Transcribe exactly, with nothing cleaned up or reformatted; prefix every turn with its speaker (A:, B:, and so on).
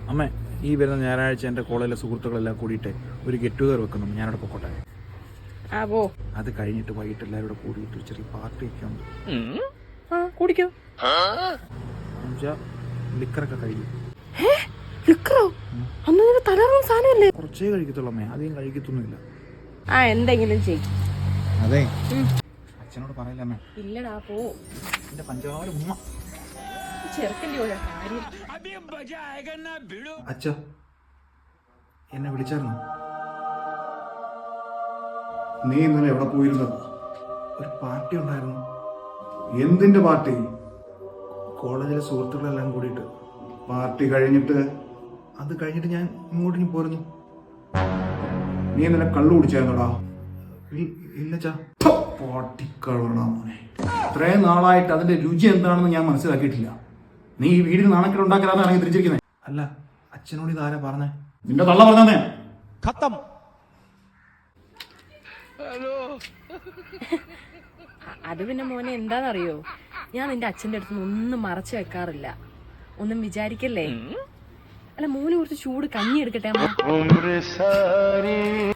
A: അമ്മ ഈ വരുന്ന ഞായറാഴ്ച എൻ്റെ കോളേജിലെ സുഹൃത്തുക്കളെല്ലാം കൂടിയിട്ട് ഒരു ഗെറ്റ് ടുഗദർ വെക്കുന്നു. ഞാനവിടെ പൊക്കോട്ടെ. അത് കഴിഞ്ഞിട്ട് വൈകിട്ട് എല്ലാവരും കൂടെ കൂടിയിട്ട് ചെറിയ പാർട്ടി ഒക്കെ ഉണ്ട്.
B: കുടിക്കോ
A: ലിക്കറൊക്കെ കഴിയും. കുറച്ചേ കഴിക്കത്തുള്ളൂ അമ്മേ, അധികം കഴിക്കത്തൊന്നുമില്ല.
B: ആ എന്തെങ്കിലും ചെയ്യും.
A: അതെ അച്ഛനോട് പറയില്ല അമ്മേ.
B: ഇല്ലടാ പോ.
A: എന്റെ പഞ്ചാര ഉമ്മ
B: ചെറുക്കൻ്റെ കാര്യം.
A: അച്ഛ എന്നെ വിളിച്ചായിരുന്നു.
C: നീ ഇന്നലെ എവിടെ പോയിരുന്നത്?
A: ഒരു പാർട്ടി ഉണ്ടായിരുന്നു.
C: എന്തിന്റെ പാർട്ടി?
A: കോളേജിലെ സുഹൃത്തുക്കളെല്ലാം കൂടിയിട്ട്.
C: പാർട്ടി കഴിഞ്ഞിട്ട്
A: അത് കഴിഞ്ഞിട്ട് ഞാൻ ഇങ്ങോട്ട് പോരുന്നു.
C: നീ ഇന്നലെ കള്ളു കുടിച്ചായിരുന്നോടാ?
A: ഇല്ല ചാ.
C: പാട്ടിക്കളണ മോനെ, ഇത്രയും നാളായിട്ട് അതിന്റെ രുചി എന്താണെന്ന് ഞാൻ മനസ്സിലാക്കിയിട്ടില്ല. നീ ഈ വീടിന് നാണക്കേട് ഉണ്ടാക്കലാന്ന് ഇറങ്ങി തിരിച്ചിരിക്കുന്നത്.
A: അല്ല, അച്ഛനോട് ഇതാരാ പറഞ്ഞേ?
C: നിന്റെ തള്ള പറഞ്ഞേ.
B: അത് പിന്നെ മോനെ എന്താണെന്നറിയോ, ഞാൻ നിന്റെ അച്ഛൻ്റെ അടുത്ത് ഒന്നും മറച്ചു വെക്കാറില്ല. ഒന്നും വിചാരിക്കല്ലേ. അല്ല മോന് കുറച്ച് ചൂട് കഞ്ഞി എടുക്കട്ടെ അമ്മ.